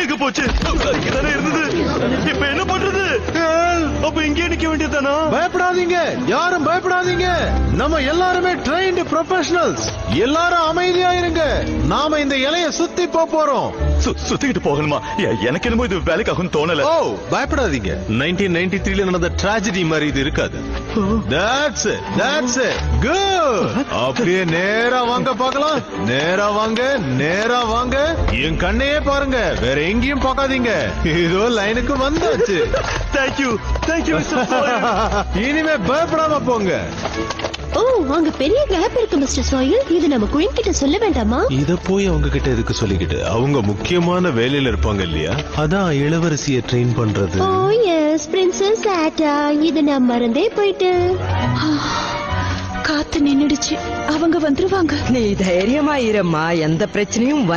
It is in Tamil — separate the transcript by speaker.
Speaker 1: எங்க போச்சு? இங்கதானே இருந்தது. இப்ப என்ன பண்றது? அப்ப இங்கே நிக்க வேண்டியதானா?
Speaker 2: பயப்படாதீங்க, யாரும் பயப்படாதீங்க. நம்ம எல்லாருமே ட்ரெயின்டு ப்ரொஃபஷனல்ஸ். எல்லாரும் அமைதியா இருங்க. நாம இந்த இலைய சுத்தி போறோம்.
Speaker 1: சுத்திக்கிட்டு போகணுமா? எனக்கு என்னமோ இது வேலைக்காகும் தோணல.
Speaker 2: ஓ, பயப்படாதீங்க. 1993 நடந்த ட்ராஜடி மாதிரி இது இருக்காது. That's it. Good. அப்படியே நேரா வாங்க பார்க்கலாம். நேரா வாங்க. என் கண்ணையே பாருங்க, வேற எங்கேயும் பார்க்காதீங்க. இதோ லைனுக்கு வந்தாச்சு.
Speaker 1: தேங்க்யூ
Speaker 2: இனிமே பயப்படாம போங்க.
Speaker 3: ஓ, அங்க பெரிய கேப் இருக்கு மிஸ்டர் சாயில். இது நம்ம குயின் கிட்ட சொல்ல வேண்டாமா?
Speaker 2: இத போய் அவங்க கிட்ட எதுக்கு சொல்லிக்கிட்டு? அவங்க முக்கியமான வேலையில இருப்பாங்க இல்லையா? அதான் இளவரசிய ட்ரெயின் பண்றது.
Speaker 3: ஓ எஸ், பிரின்சஸ் ஆட்டா. இது நான் மறந்தே போயிட்டு.
Speaker 4: காத்து நின்னுடுச்சு. அவங்க வந்துருவாங்க.
Speaker 5: நீ தைரியமா இருமா, எந்த பிரச்சனையும்